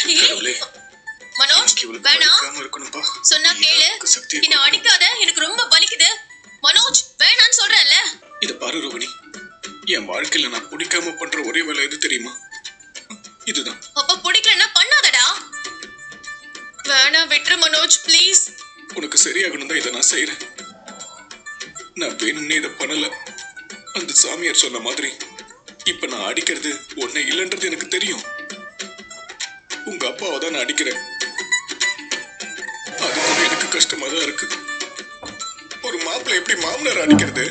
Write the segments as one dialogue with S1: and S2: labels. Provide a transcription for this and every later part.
S1: மனோஜ் வேணாம் சொன்னா கேளு. என்ன அடிக்காத, எனக்கு ரொம்ப வலிக்குது. மனோஜ் வேணான்னு சொல்றேன்ல.
S2: இத பாரு ரோகிணி, என் வாழ்க்கையில நான் பிடிக்காம பண்ற ஒரே வேலை எது தெரியுமா? இதுதான்.
S1: அப்ப பிடிக்கலன்னா பண்ணாதடா. வேணாம் விட்டுரு மனோஜ் ப்ளீஸ்.
S2: உனக்கு சரியாகணும் தான் இதை நான் செய்யறேன். நான் வேணும்னே இதை பண்ணல. அந்த சாமியார் சொன்ன மாதிரி இப்ப நான் அடிக்கிறது உன்னை இல்லைன்றது எனக்கு தெரியும். உங்க அப்பாவை தான் நான் அடிக்கிறேன். அது கூட எனக்கு கஷ்டமா தான் இருக்கு. ஒரு மாப்பிள்ளை எப்படி மாமனார் அடிக்கிறது?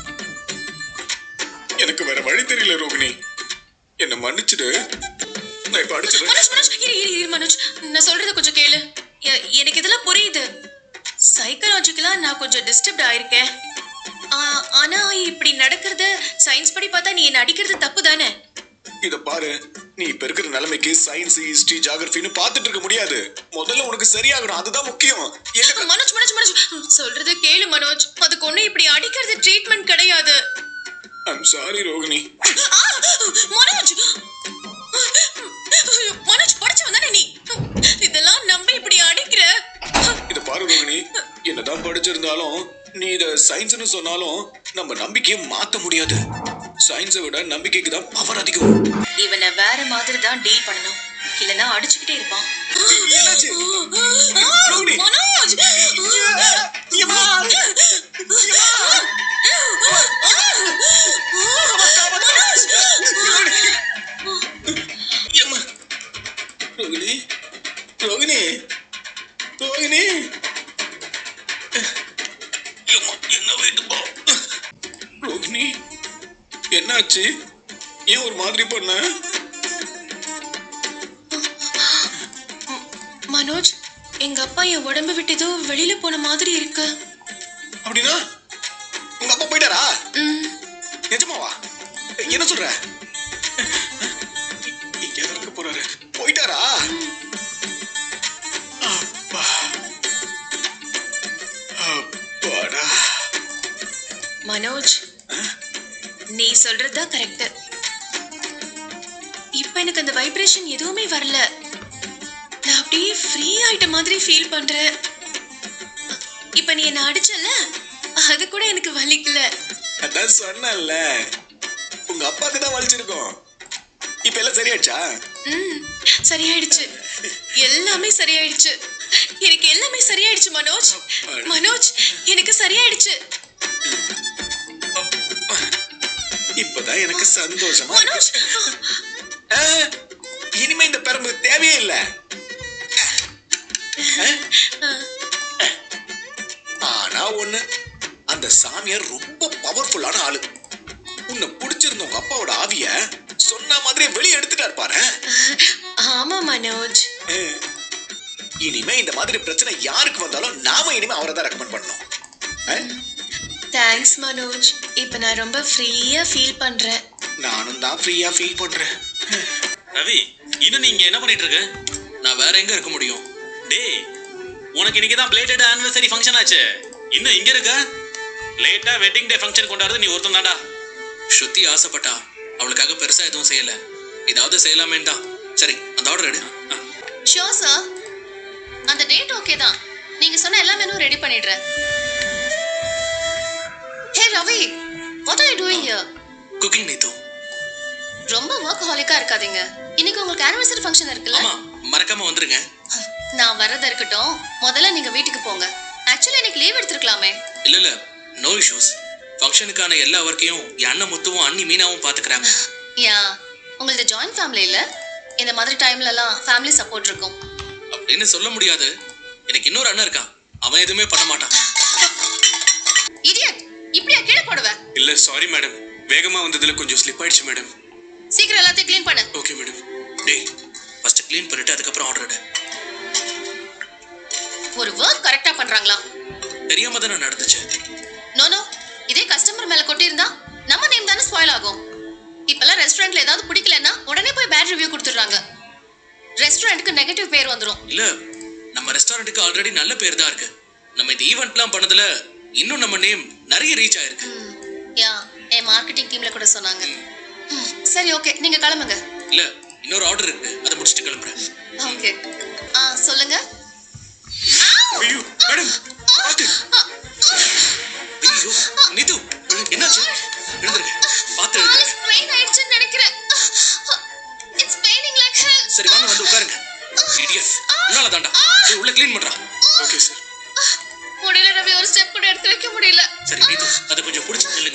S2: எனக்கு வேற வழி தெரியல ரோகிணி, என்ன மன்னிச்சிடு. நான் இப்ப அடிச்சிடுறேன்.
S1: மனோஜ் நான் சொல்றத கொஞ்சம் கேளு. எனக்கு இதெல்லாம் புரியுது. சைக்காலஜிக்கலா நான் கொஞ்சம் டிஸ்டர்ப்ட் ஆயிருக்கேன். ஆனா இப்படி நடக்கிறது சயின்ஸ் படி பார்த்தா நீ என்ன அடிக்கிறது தப்பு தானே?
S2: இத பாரு, நீ இப்ப இருக்கிற நிலைமைக்கு சயின்ஸ், ஹிஸ்டரி, ஜியோகிராஃபின்னு பார்த்துட்டு இருக்க முடியாது. முதல்ல உனக்கு சரியாகணும், அதுதான் முக்கியம்.
S1: மனோஜ் மனோஜ் மனோஜ் சொல்றது கேளு மனோஜ். அதுக்கு ஒண்ணு இப்படி அடிக்கிறது ட்ரீட்மெண்ட் கிடையாது.
S2: I'm sorry Rohini.
S1: மனோஜ் மனோஜ் படிச்சவன் தானே நீ? இதெல்லாம் நம்பி இப்படி அடிக்கிற?
S2: இத பாரு ரோகிணி, என்னதான் படிச்சிருந்தாலும் நீ இத சயின்ஸ்னு சொன்னாலும் நம்ம நம்பிக்கையை மாத்த முடியாது. சயின்ஸை விட நம்பிக்கைக்கு தான் பவர் அதிகம்.
S1: இவனை வேற மாதிரி தான் டீல் பண்ணணும், இல்லனா அடிச்சுக்கிட்டே இருப்பான். மனோஜ்
S2: ரோகிணி ரோகிணி ரோகிணி என்ன வேண்டுமா? ரோகிணி என்னாச்சு? ஏன் ஒரு மாதிரி பண்ண?
S1: மனோஜ் எங்க அப்பா என் உடம்பு விட்டு ஏதோ வெளியில போன மாதிரி இருக்கு.
S2: அப்படின்னா உங்க அப்பா போயிட்டாரா? நிஜமாவா? என்ன சொல்ற? இங்க இருக்க போறாரு, போயிட்டாரா? அப்பா அப்பாடா.
S1: மனோஜ் நீ சொல்றதா கரெக்ட். இப்ப எனக்கு அந்த வைப்ரேஷன் எதுவுமே வரல. நான் அப்படியே ஃப்ரீ ஆயிட்ட மாதிரி ஃபீல் பண்றேன். இப்ப நீ என்ன அடிச்சல, அது கூட எனக்கு வலிக்கல.
S2: அதான் சொன்னல, உங்க அப்பாக்கு தான் வலிச்சிருக்கும். இப்ப எல்லாம் சரியாயிடுச்சா?
S1: சரியாயிடுச்சு, எல்லாமே சரியாயிடுச்சு. எனக்கு எல்லாமே சரியாயிடுச்சு மனோஜ். மனோஜ் எனக்கு சரியாயிடுச்சு.
S2: இப்பதான் எனக்கு சந்தோஷமா.
S1: மனோஜ்
S2: இனிமே இந்த பெரம்பு தேவையே இல்ல. ஆனா ஒண்ணு, அந்த சாமியார் ரொம்ப பவர்ஃபுல்லான ஆளு. உன்னை பிடிச்சிருந்த உங்க அப்பாவோட ஆவிய சொன்ன மாதிரி வெளியே எடுத்துட்டாரு பாரு.
S1: ஆமா மனோஜ்.
S2: இனிமே இந்த மாதிரி பிரச்சனை யாருக்கு வந்தாலும் நாம இனிமே அவரை தான் ரெக்கமெண்ட் பண்ணணும்.
S1: தேங்க்ஸ் மனோஜ். இப்ப நான் ரொம்ப ஃப்ரீயா ஃபீல் பண்றேன்.
S2: நானும் தான் ஃப்ரீயா ஃபீல் பண்றேன்.
S3: ரவி, இன்னும் நீங்க என்ன பண்ணிட்டு இருக்க? நான் வேற எங்க இருக்க முடியும்? டேய், உனக்கு இன்னைக்கு தான் பிளேட்டட் ஆனிவர்சரி ஃபங்க்ஷன் ஆச்சு. இன்னும் இங்க இருக்க? லேட்டா வெட்டிங் டே ஃபங்க்ஷன் கொண்டாடுறது நீ ஒருத்தன் தான்டா.
S4: ஸ்ருதி ஆசைப்பட்டா, அவளுக்காக பெருசா எதுவும் செய்யல. ஏதாவது செய்யலாமேன்னு தான். சரி, அந்த ஆர்டர் எடு.
S1: Sure sir. அந்த டேட் ஓகே தான். நீங்க சொன்ன எல்லா மெனுவும் ரெடி பண்ணிடுறேன். Hey Ravi, what are you doing here?
S4: Cooking Neethu.
S1: ரொம்ப வொர்க் ஹாலிக்கா இருக்காதீங்க. இன்னைக்கு உங்களுக்கு ஆனிவர்சரி ஃபங்க்ஷன் இருக்குல்ல?
S4: ஆமா, மறக்காம வந்துருங்க.
S1: நான் வரத இருக்கட்டும், முதல்ல நீங்க வீட்டுக்கு போங்க. ஆக்சுவலி எனக்கு லீவ் எடுத்துக்கலாமே.
S4: இல்ல நோ இஷ்யூஸ். ஃபங்க்ஷனுக்கான எல்லா வர்க்கையும் என் அண்ணன் முத்துவும் அண்ணி மீனாவும் பாத்துக்கறாங்க.
S1: யா, உங்களது ஜாயின்ட் ஃபேமிலி இல்ல? இந்த மாதிரி டைம்ல எல்லாம் ஃபேமிலி சப்போர்ட் இருக்கும்.
S4: அப்படின்னு சொல்ல முடியாது. எனக்கு இன்னொரு அண்ணன் இருக்கான், அவன் எதுவுமே பண்ண மாட்டான்.
S1: இடியட், இப்படியா கீழே போடுவ?
S2: இல்ல சாரி மேடம், வேகமா வந்ததுல கொஞ்சம் ஸ்லிப் ஆயிடுச்சு மேடம்.
S1: சீக்கிரம் எல்லாத்தையும் க்ளீன் பண்ணு.
S4: Okay madam. டேய், ஃபர்ஸ்ட் க்ளீன் பண்ணிட்டு அதுக்கப்புறம் ஆர்டர் எடு.
S1: ஒரு வர்க் கரெக்ட்டா பண்றாங்களா?
S4: தெரியாம தான நடந்துச்சு.
S1: நோ நோ, இதே கஸ்டமர் மேல கொட்டி இருந்தா நம்ம நேம் தான ஸ்பாயில் ஆகும். இப்பலாம் ரெஸ்டாரன்ட்ல ஏதாவது பிடிக்கலன்னா உடனே போய் பேட் ரிவ்யூ கொடுத்துறாங்க. ரெஸ்டாரன்ட்க்கு நெகட்டிவ் பேர் வந்துரும்.
S4: இல்ல, நம்ம ரெஸ்டாரன்ட்க்கு ஆல்ரெடி நல்ல பேர் தான் இருக்கு. நம்ம இந்த ஈவென்ட்லாம் பண்ணதுல இன்னும் நம்ம நேம் நிறைய ரீச் ஆயிருக்கு.
S1: யா, என் மார்க்கெட்டிங் டீம்ல கூட சொன்னாங்க. சரி ஓகே, நீங்க கிளம்புங்க.
S4: இல்ல, இன்னொரு ஆர்டர் இருக்கு, அதை முடிச்சிட்டு கிளம்புறேன்.
S1: ஓகே சொல்லுங்க.
S4: ஐயோ மேடம் பாத்து. ஐயோ நீது என்னாச்சு? எழுந்துருங்க பாத்து எழுந்துருங்க.
S1: ஸ்ட்ரெயின் ஆயிடுச்சுன்னு நினைக்கிறேன். It's paining like hell.
S4: சரி வாங்க வந்து உட்காருங்க. இடியட் உன்னால தாண்டா. போய் உள்ள க்ளீன் பண்றா.
S2: Okay sir.
S1: முடியல ரவி, ஒரு ஸ்டெப் கூட எடுத்து வைக்க முடியல.
S4: சரி நீது அதை கொஞ்சம் புடிச்சு நில்லுங்க.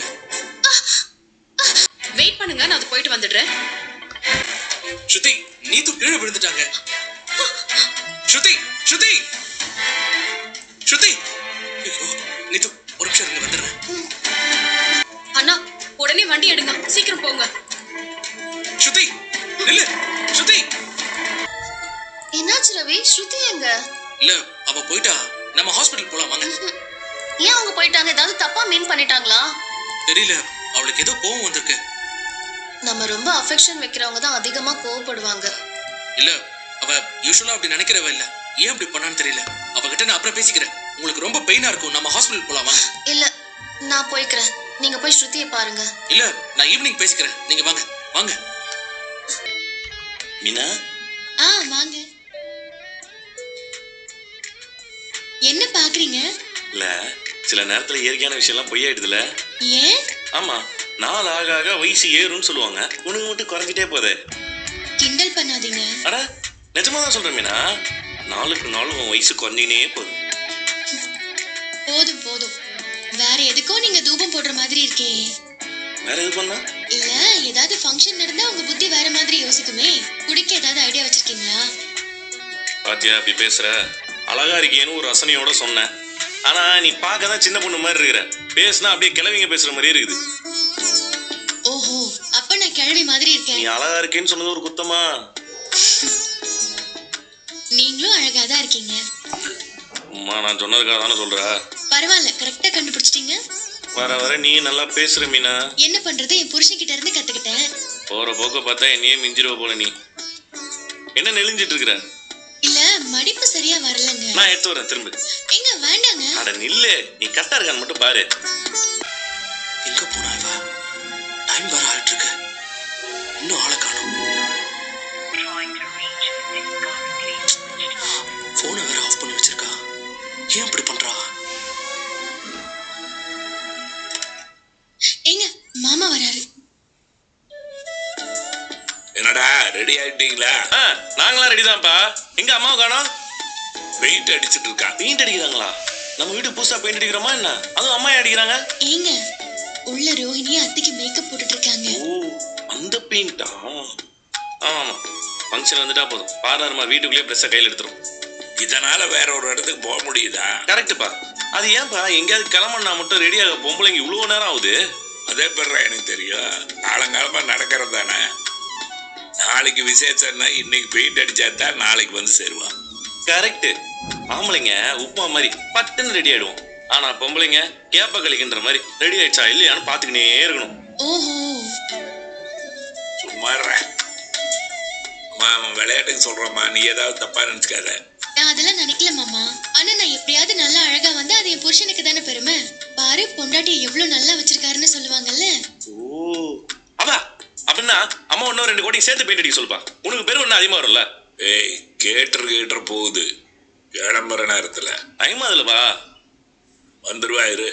S1: வெயிட் பண்ணுங்க, நான் அது போயிட்டு வந்துடுறேன்.
S4: ஸ்ருதி நீது கீழே விழுந்துட்டாங்க. ஸ்ருதி ஸ்ருதி ஸ்ருதி. ஐயோ நீது ஒரு நிமிஷம் இருங்க வந்துடுறேன்.
S1: அண்ணா உடனே வண்டி எடுங்க, சீக்கிரம் போங்க.
S4: ஸ்ருதி நில்லு. ஸ்ருதி.
S1: என்னாச்சு ரவி? ஸ்ருதி எங்க?
S4: இல்ல அவ போயிட்டா. நம்ம ஹாஸ்பிடல் போலாம் வாங்க.
S1: ஏன் அவங்க போயிட்டாங்க? ஏதாவது தப்பா மீன் பண்ணிட்டாங்களா?
S4: தெரியல, அவளுக்கு ஏதோ கோவம் வந்திருக்கு.
S1: நம்ம ரொம்ப அஃபெக்ஷன் வைக்கிறவங்க தான் அதிகமா கோவப்படுவாங்க.
S4: இல்ல அவ யூசுவலா அப்படி நினைக்கிறவ இல்ல. ஏன் அப்படி பண்ணான்னு தெரியல. அவகிட்ட நான் அப்புறம் பேசிக்கிறேன். உங்களுக்கு ரொம்ப பெயினா இருக்கும், நம்ம ஹாஸ்பிடல் போலாம் வாங்க.
S1: இல்ல நான் போய்க்கிறேன், நீங்க போய் ஸ்ருதியை பாருங்க.
S4: இல்ல நான் ஈவினிங் பேசிக்கிறேன், நீங்க வாங்க வாங்க.
S5: மீனா
S1: வாங்க. என்ன பாக்குறீங்க?
S5: இல்ல சில நேரத்துல இயற்கையான விஷயம் எல்லாம் பொய்யாயிடுதுல.
S1: ஏன்?
S5: ஆமா, நாள் ஆக ஆக வயசு ஏறும்னு சொல்லுவாங்க, உனக்கு மட்டும் குறைஞ்சிட்டே போதே.
S1: கிண்டல் பண்ணாதீங்க.
S5: அட நிஜமா தான் சொல்றேன் மீனா, நாளுக்கு நாள் உன் வயசு குறைஞ்சினே போகுது.
S1: போதும் போதும், வேற எதுக்கோ நீங்க தூபம் போடுற மாதிரி இருக்கே.
S5: வேற எது பண்ணா?
S1: இல்ல ஏதாவது ஃபங்க்ஷன் நடந்தா உங்க புத்தி வேற மாதிரி யோசிக்குமே. குடிக்க ஏதாவது ஐடியா வச்சிருக்கீங்களா?
S5: பாத்தியா அப்படி பேசுற? அழகா இருக்கேன்னு ஒரு ரசனையோட சொன்னேன். ஆனா நீ பார்க்க தான் சின்ன பொண்ணு மாதிரி இருக்கிற. பேசுனா அப்படியே கிழவிங்க பேசுற மாதிரியே இருக்குது.
S1: ஓஹோ, அப்ப நான் கிழவி மாதிரி
S5: நீ
S1: இருக்கேன்.
S5: அழகா இருக்கேன்னு சொன்னது ஒரு குத்தமா?
S1: நீங்களும் அழகா தான் இருக்கீங்க.
S5: அம்மா நான் சொன்னதுக்காக தானே சொல்ற.
S1: பரவாயில்ல, கரெக்டா கண்டுபிடிச்சிட்டீங்க.
S5: வர வர நீ நல்லா பேசுற மீனா.
S1: என்ன பண்றது, என் புருஷன் கிட்ட இருந்து கத்துக்கிட்டேன்.
S5: போற போக்க பார்த்தா என்னையே மிஞ்சிருவ போல. நீ என்ன நெளிஞ்சிட்டு இருக்கிற?
S1: இல்ல மடிப்பு சரியா வரலங்க.
S5: நான் எடுத்து வரேன் திரும்ப.
S1: எங்க வேண்டாங்க.
S5: அட நில்லு, நீ கரெக்டா இருக்கான்னு மட்டும் பாரு.
S4: எங்க போனா இவ? டைம் வர ஆயிட்டு இருக்கு, இன்னும் ஆளை காணோம். போனை வேற ஆஃப் பண்ணி வச்சிருக்கா. ஏன் இப்படி பண்றா?
S1: எங்க மாமா வராரு.
S6: என்னடா ரெடி ஆயிட்டீங்களா?
S5: நாங்களாம் ரெடி தான்ப்பா. எங்க அம்மாவை காணோம்?
S6: பெயிண்ட் அடிச்சிட்டு இருக்கா.
S5: பெயிண்ட் அடிக்கிறாங்களா? நம்ம வீடு புதுசா பெயிண்ட் அடிக்கிறோமா என்ன? அதுவும் அம்மா அடிக்கிறாங்க.
S1: ஏங்க உள்ள ரோஹிணி அத்தைக்கு மேக்கப் போட்டுட்டு இருக்காங்க.
S5: ஓ அந்த பெயிண்டா? ஆமா ஃபங்க்ஷன் வந்துட்டா போதும், பார்லர்மா வீட்டுக்குள்ளேயே ப்ரெஸ்ஸை கையில் எடுத்துரும்.
S6: இதனால வேற ஒரு இடத்துக்கு போக முடியுதா?
S5: கரெக்டுப்பா. அது ஏன்பா எங்கேயாவது கிளம்புனா மட்டும் ரெடியாக பொம்பளைங்க இவ்வளோ நேரம் ஆகுது?
S6: அதே பேர்ல எனக்கு தெரியும், காலங்காலமா நடக்கிறது தானே. நாளைக்கு விசேஷம்னா இன்னைக்கு பெயிண்ட் அடிச்சா தான் நாளைக்கு வந்து சேருவான்.
S5: கரெக்ட். ஆம்பளைங்க உப்புமா மாதிரி பட்டுன்னு ரெடி ஆயிடுவோம். ஆனா பொம்பளைங்க கேப்ப கழிக்கின்ற மாதிரி ரெடி ஆயிடுச்சா இல்லையான்னு பாத்துக்கினே இருக்கணும்.
S1: ஓஹோ,
S6: சும்மா விளையாட்டுக்கு சொல்றோமா, நீ ஏதாவது தப்பா நினைச்சுக்காத.
S1: நான் அதெல்லாம் நினைக்கல மாமா. ஆனா நான் எப்படியாவது நல்லா அழகா வந்து அது என் புருஷனுக்கு தானே பெருமை. பாரு பொண்டாட்டியை எவ்வளவு நல்லா வச்சிருக்காருன்னு சொல்லுவாங்கல்ல.
S5: ஓ அவா அப்படின்னா அம்மா இன்னும் 2 கோடி சேர்த்து பெயிண்ட் அடிக்க சொல்லுப்பா. உனக்கு பேர் ஒன்னும் அதிகமா வரும்ல.
S6: ஏய் கேட்டு போகுது, கிளம்புற நேரத்துல
S5: டைம் அதுலப்பா.
S6: வந்துருவா இரு.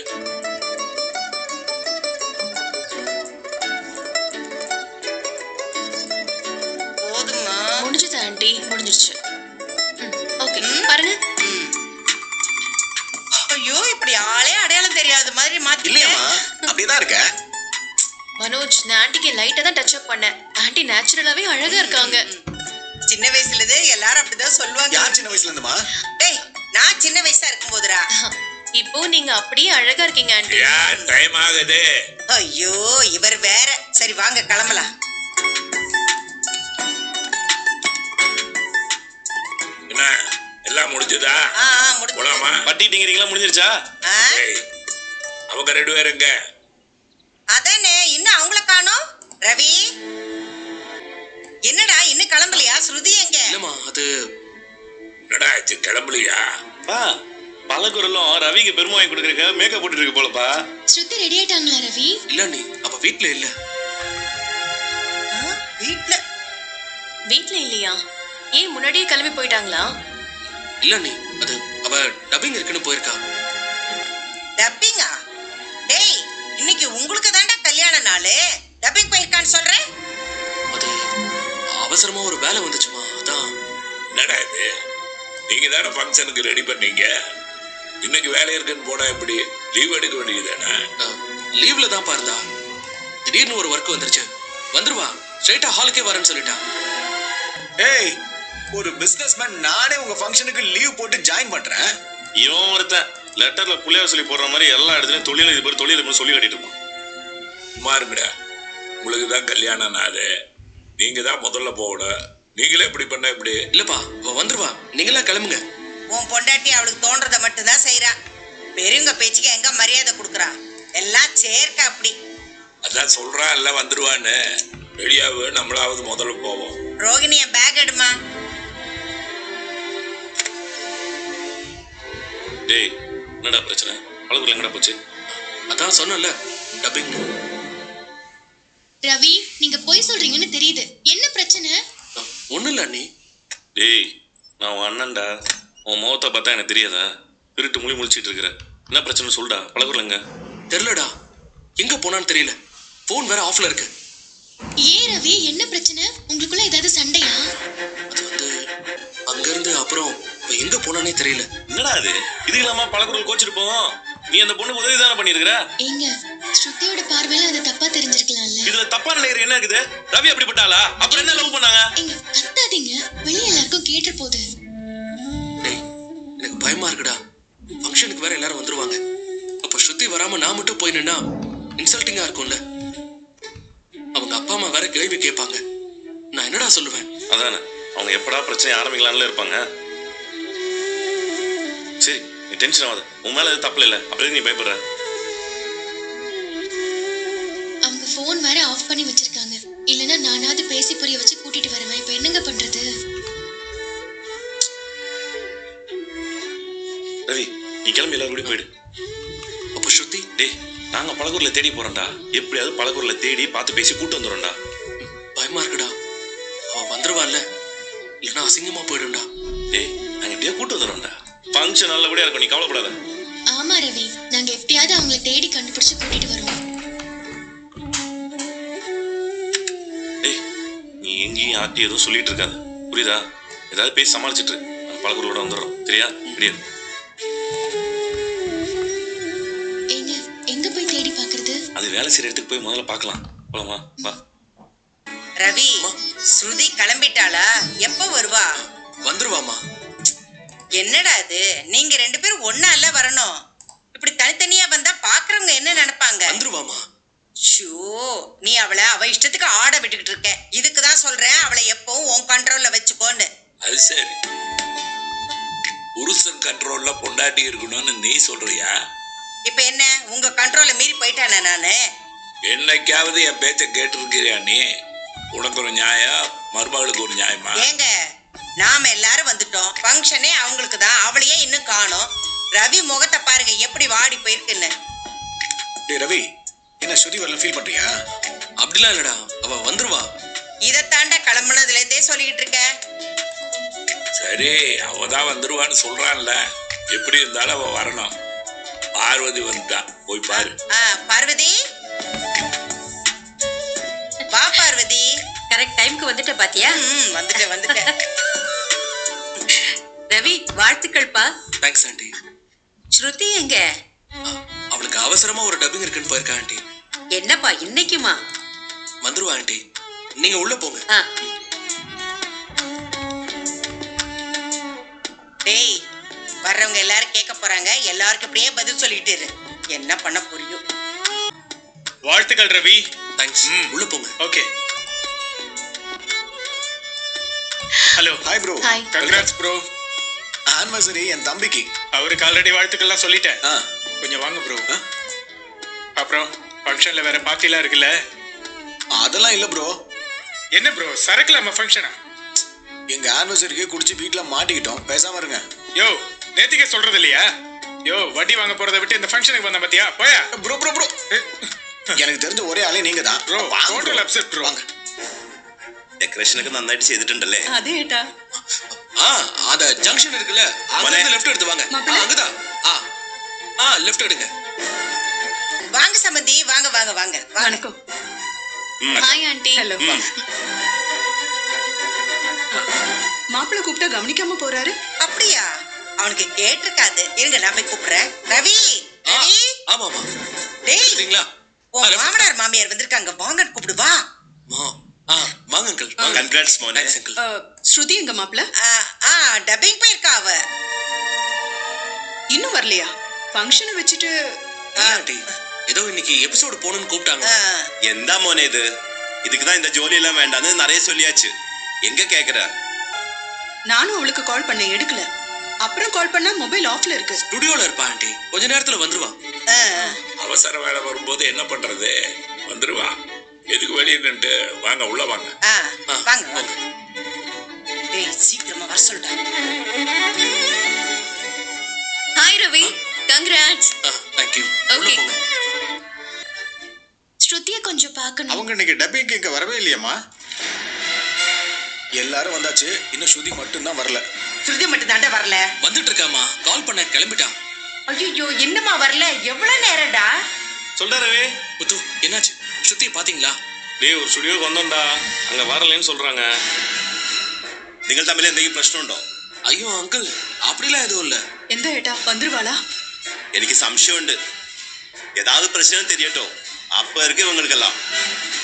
S7: போதுமா?
S1: முடிஞ்சுது ஆண்டி, முடிஞ்சிருச்சு. ஓகே பாருங்க.
S7: ஐயோ இப்படி ஆளே அடையாளம் தெரியாத மாதிரி மாத்தி.
S5: இல்லையம்மா அப்படியேதான் இருக்க.
S1: மனோஜ், நான் ஆண்டிக்கு லைட்டா தான் டச் அப் பண்ணேன். ஆண்டி நேச்சுரலாவே அழகா இருக்காங்க.
S7: சின்ன வயசுல இருந்து எல்லாரும் அப்படிதான் சொல்லுவாங்க.
S5: யார் சின்ன வயசுல இருந்துமா?
S7: டேய் நான் சின்ன வயசா இருக்கும் போதுடா.
S1: இப்போ நீங்க அப்படியே அழகா இருக்கீங்க ஆண்டி.
S6: ஏன் டைம் ஆகுது?
S7: ஐயோ இவர் வேற. சரி வாங்க கிளம்பலாம்.
S6: என்ன எல்லாம் முடிஞ்சதா?
S7: முடிஞ்சு.
S6: போலாமா?
S5: பட்டிட்டீங்கிறீங்களா? முடிஞ்சிருச்சா?
S6: ஏய், அவங்க 2 பேருங்க.
S7: அதானே இன்னும் அவங்கள காணோம். ரவி என்னடா இன்னும் கிளம்பலையா? ஸ்ருதி எங்க?
S4: இல்லம்மா அது
S6: என்னடா ஆச்சு, கிளம்பலையா?
S5: பா பலகுரலும் ரவிக்கு பெருமை வாங்கி கொடுக்குறக்க மேக்கப் போட்டுட்டு இருக்கு போலப்பா.
S1: ஸ்ருதி ரெடி ஆயிட்டாங்களா ரவி?
S4: இல்ல நீ அவ வீட்ல இல்ல.
S7: வீட்ல
S1: வீட்ல இல்லையா? ஏன் முன்னாடியே கிளம்பி போயிட்டாங்களா?
S4: இல்ல அண்ணி, அது அவ டப்பிங் இருக்குன்னு போயிருக்கா.
S7: டப்பிங்கா? டேய், இன்னைக்கு உங்களுக்கு தாண்டா கல்யாண நாளு. டப்பிங் போயிருக்கான்னு சொல்றேன்.
S4: அது அவசரமா ஒரு வேலை வந்துச்சுமா, அதான்.
S6: என்னடா இது, நீங்க தானே ஃபங்க்ஷனுக்கு ரெடி பண்ணீங்க. இன்னைக்கு வேலை இருக்குன்னு போனா எப்படி? லீவ் எடுக்க வேண்டியதுதானே?
S4: லீவ்ல தான் இருந்தா திடீர்னு ஒரு ஒர்க் வந்துருச்சு. வந்துருவா, ஸ்ட்ரைட்டா ஹாலுக்கே வரேன்னு சொல்லிட்டா.
S8: ஏய், ஒரு பிசினஸ்மேன் நானே உங்க ஃபங்க்ஷனுக்கு லீவ் போட்டு ஜாயின் பண்றேன்.
S5: இவன் ஒருத்தன் லெட்டர்ல புள்ளையார் சொல்லி போடுற மாதிரி எல்லா இடத்துலயும் தொழிலதிபர் சொல்லி கட்டிட்டு இருப்பான்.
S6: சும்மா இருக்குடா. உங்களுக்கு தான் கல்யாண நாள், நீங்க தான் முதல்ல போகணும். நீங்களே இப்படி பண்ண எப்படி?
S4: இல்லப்பா, அவ வந்துருவா, நீங்களாம் கிளம்புங்க.
S7: உன் பொண்டாட்டி அவளுக்கு தோன்றதை மட்டும்தான் செய்யறா. பெரியவங்க பேச்சுக்கு எங்க மரியாதை கொடுக்குறா? எல்லாம் சேர்க்க அப்படி.
S6: அதான் சொல்றான் எல்லாம் வந்துருவான்னு. வெளியாவு, நம்மளாவது முதல்ல போவோம்.
S7: ரோகிணி, என் பேக் எடுமா.
S5: டேய், என்னடா பிரச்சனை? பழகுல எங்கடா போச்சு?
S4: அதான் சொன்னல, டப்பிங்.
S9: ரவி, நீங்க பொய் சொல்றீங்கன்னு தெரியுது. என்ன பிரச்சனை?
S4: ஒண்ணும் இல்ல அண்ணி.
S5: டேய், நான் உன் அண்ணன்டா. உன் முகத்தை பார்த்தா எனக்கு தெரியாதா? திருட்டு முழிச்சிட்டு இருக்கிற. என்ன பிரச்சனை சொல்டா. பழகுலங்க
S4: தெரியலடா, எங்க போனான்னு தெரியல. போன் வேற ஆஃப்ல இருக்கு.
S9: ஏன் ரவி, என்ன பிரச்சனை? உங்களுக்குள்ள ஏதாவது சண்டையா?
S4: அது வந்து அங்க இருந்து அப்புறம் இப்ப எங்க போனானே தெரியல.
S5: என்னடா அது? இது இல்லாம பழகுறல் கோச்சிட்டு போவோம். நீ அந்த பொண்ணுக்கு உதவி தானே பண்ணிருக்கிற.
S9: ஏங்க, ஸ்ருதியோட பார்வையில அது தப்பா தெரிஞ்சிருக்கலாம்ல.
S5: இதுல தப்பா நினைக்கிற என்ன இருக்குது? ரவி அப்படிப்பட்டாளா? அப்புறம் என்ன லவ் பண்ணாங்க?
S9: ஏங்க, கத்தாதீங்க, வெளிய எல்லாருக்கும் கேட்டு போகுது.
S4: டேய், எனக்கு பயமா இருக்குடா. ஃபங்க்ஷனுக்கு வேற எல்லாரும் வந்துருவாங்க. அப்ப ஸ்ருதி வராம நான் மட்டும் போய் நின்னா இன்சல்ட்டிங்கா இருக்கும்ல. அவங்க அப்பா அம்மா வேற கேள்வி கேட்பாங்க. நான் என்னடா சொல்லுவேன்?
S5: அதானே, அவங்க எப்படா பிரச்சனை ஆரம்பிக்கலாம்ல இருப்பாங்க. சரி, நீ டென்ஷன் ஆகாத. உன் மேல எதுவும் தப்பு இல்ல. அப்புறம் நீ பயப்படுற?
S9: அவங்க போன் வேற ஆஃப் பண்ணி வச்சிருக்காங்க. இல்லனா நானாவது பேசி புரிய வச்சு கூட்டிட்டு வருவேன். இப்ப என்னங்க பண்றது?
S5: ரவி, நீ கிளம்பி எல்லாரும் கூட போயிடு.
S4: அப்ப ஸ்ருதி?
S5: டேய், நாங்க பழகூர்ல தேடி போறோம்டா. எப்படியாவது பழகூர்ல தேடி பார்த்து பேசி கூட்டு வந்துடும்டா.
S4: பயமா இருக்குடா. அவன் வந்துருவான்ல, இல்லைன்னா அசிங்கமா போயிடும்டா.
S5: டேய், நாங்க எப்படியா கூட்டு வந்துடும்டா. ஃபங்க்ஷன் நல்லபடியா இருக்கும், நீ கவலைப்படாத.
S9: ஆமா ரவி, நாங்க எப்படியாவது அவங்கள தேடி கண்டுபிடிச்சு கூட்டிட்டு வருவோம்.
S5: டேய், நீ எங்கேயும் யார்ட்டையும் எதுவும் சொல்லிட்டு இருக்காது, புரியுதா? ஏதாவது பேசி சமாளிச்சுட்டு நாங்க பழகூரோட வந்துடுறோம், சரியா? கிடையாது.
S9: ஏங்க, எங்க போய் தேடி பாக்குறது?
S5: அது வேலை செய்யற இடத்துக்கு போய் முதல்ல பார்க்கலாம். போலாமா? வா.
S7: ரவி, ஸ்ருதி கிளம்பிட்டாளா? எப்ப வருவா?
S4: வந்துருவாமா.
S7: என்னடா இது, நீங்க ரெண்டு பேரும் ஒண்ணால வரணும். இப்படி தனித்தனியா வந்தா பாக்குறவங்க என்ன நினைப்பாங்க?
S4: வந்துருவாமா.
S7: ஷோ, நீ அவளை அவ இஷ்டத்துக்கு ஆட விட்டுக்கிட்டு இருக்க. இதுக்குதான் சொல்றேன், அவளை எப்பவும் உன் கண்ட்ரோல்ல வச்சுக்கோன்னு.
S6: அது சரி, புருஷன் கண்ட்ரோல்ல பொண்டாட்டி இருக்கணும்னு நீ சொல்றியா?
S7: இப்ப என்ன, உங்க கண்ட்ரோல்ல மீறி போயிட்டானே நானு?
S6: என்னைக்காவது என் பேச்ச கேட்டிருக்கிறியா நீ? உனக்கு ஒரு நியாயம், மருமகளுக்கு ஒரு நியாயமா?
S7: ஏங்க, நாம எல்லாரும் வந்துட்டோம். ஃபங்க்ஷனே அவங்களுக்கு தான். அவளையே இன்னும் காணோம். ரவி முகத்தை பாருங்க எப்படி வாடி போயிருக்குன்னு.
S8: டேய் ரவி, என்ன ஸ்ருதி வரல ஃபீல் பண்றியா?
S4: அப்படிலாம் இல்லடா, அவ வந்துருவா.
S7: இதைத்தாண்டா கிளம்புனதுல இருந்தே சொல்லிட்டு இருக்க.
S6: சரி, அவதான் வந்துருவான்னு சொல்றான்ல, எப்படி இருந்தாலும் அவ வரணும். பார்வதி வந்துட்டா, போய் பாரு.
S7: பார்வதி, வா பார்வதி.
S10: கரெக்ட் டைம்க்கு வந்துட்ட பாத்தியா?
S7: வந்துட்டேன்.
S10: ரவி, வாழ்த்துக்கள்ப்பா.
S4: Thanks aunty.
S10: ஸ்ருதி எங்க?
S4: அவளுக்கு அவசரமா ஒரு டப்பிங் இருக்குன்னு போயிருக்கா ஆண்டி.
S10: என்னப்பா இன்னைக்குமா?
S4: வந்துருவா ஆண்டி, நீங்க உள்ள போங்க.
S7: டேய், வர்றவங்க எல்லாரும் கேட்க போறாங்க. எல்லாருக்கும் இப்படியே பதில் சொல்லிட்டு இரு. என்ன பண்ண புரியும்?
S8: வாழ்த்துக்கள் ரவி.
S4: தேங்க்ஸ். உள்ள போங்க.
S8: Okay. Hello. Hi bro.
S1: Hi.
S8: Congrats bro. Anniversary என் தம்பிக்கு. அவருக்கு ஆல்ரெடி வாழ்த்துக்கள்லாம் சொல்லிட்டேன். கொஞ்சம் வாங்க ப்ரோ. அப்புறம் ஃபங்க்ஷன்ல வேற பார்ட்டிலாம் இருக்குல்ல? அதெல்லாம் இல்ல ப்ரோ. என்ன ப்ரோ, சரக்குல நம்ம ஃபங்க்ஷனா? எங்க ஆனிவர்சரிக்கு குடிச்சு வீட்ல மாட்டிக்கிட்டோம், பேசாம இருங்க. யோ, நேத்திக்கே சொல்றது இல்லையா? யோ, வட்டி வாங்க போறதை விட்டு இந்த ஃபங்க்ஷனுக்கு வந்த பாத்தியா? போயா ப்ரோ. எனக்கு தெரிஞ்ச ஒரே ஆளே நீங்க தான் ப்ரோ. Total upset bro.
S5: ഡെക്കറേഷനൊക്കെ നന്നായിട്ട് ചെയ്തിട്ടുണ്ടല്ലേ?
S10: അതെ ഏട്ടാ.
S4: அந்த ஜங்ஷன் இருக்குல்ல அங்க லெஃப்ட் எடுத்து வாங்க அங்கதான் லெஃப்ட் எடுங்க
S7: வாங்க சம்பந்தி வாங்க வாங்க வாங்க
S1: வணக்கம். Hi aunty.
S9: ஹலோ.
S1: மாப்பிள்ளை கூப்பிட்டா கவனிக்காம போறாரு.
S7: அப்படியா? அவனுக்கு கேட்டிருக்காது. இருங்க நான் போய் கூப்பிடுறேன். ரவி ரவி
S4: ஆமா ஆமா
S7: டேய்
S4: சரிங்களா
S7: உன் மாமனார் மாமியார் வந்திருக்காங்க வாங்கன்னு கூப்பிடு வா.
S4: வாங்க அங்கிள்
S5: கங்க்ராட்ஸ் மோனே.
S4: அங்கிள்
S1: ஸ்ருதி எங்க மாப்பிள்ள
S7: டப்பிங் போயிருக்கா அவ.
S1: இன்னும் வரலையா? ஃபங்க்ஷனை வச்சுட்டு
S4: ஆண்டி ஏதோ இன்னைக்கு எபிசோடு போகணும்னு கூப்பிட்டாங்க
S5: எந்த மோனே இது? இதுக்கு தான் இந்த ஜோலி எல்லாம் வேண்டாம்னு நிறைய சொல்லியாச்சு. எங்க கேக்குற?
S1: நானும் அவளுக்கு கால் பண்ண எடுக்கல. அப்புறம் கால் பண்ணா மொபைல் ஆஃப்ல இருக்கு.
S4: ஸ்டுடியோல இருப்பா ஆண்டி கொஞ்ச நேரத்துல வந்துருவான்
S6: அவசர வேலை வரும்போது என்ன பண்றது? வந்துருவான். எதுக்கு வெளியே நின்று வாங்க உள்ள வாங்க.
S7: வாங்க வாங்க. டேய் சீக்கிரமா வர சொல்டா.
S9: Hi Ravi, congrats.
S4: Thank you
S9: okay. ஸ்ருதியை கொஞ்சம் பார்க்கணும்.
S8: அவங்க இன்னைக்கு டப்பிங் இங்க வரவே இல்லையம்மா. எல்லாரும் வந்தாச்சு, இன்னும் ஸ்ருதி மட்டும்தான் வரல.
S7: ஸ்ருதி மட்டும் தாண்டா வரல.
S4: வந்துட்டு இருக்காமா, கால் பண்ண கிளம்பிட்டான்.
S7: ஐயோ என்னமா வரல? எவ்வளவு நேரம்டா?
S5: சொல்றாரு
S4: முத்து என்னாச்சு? ஸ்ருதி பாத்தீங்களா?
S5: டேய் ஒரு ஸ்டுடியோக்கு வந்தோம்டா, அங்க வரலன்னு சொல்றாங்க. നിങ്ങൾ തമ്മിൽ എന്തെങ്കിലും പ്രശ്നമുണ്ടോ?
S4: ஐயோ அங்கிள் அப்படிலாம் எதுவும் இல்ல.
S1: எந்த ஏட்டா வந்துருவாளா?
S5: എനിക്ക് സംശയമുണ്ട്. ஏதாவது பிரச்சனை தெரியட்டும், அப்ப இருக்கு இவங்களுக்கெல்லாம்.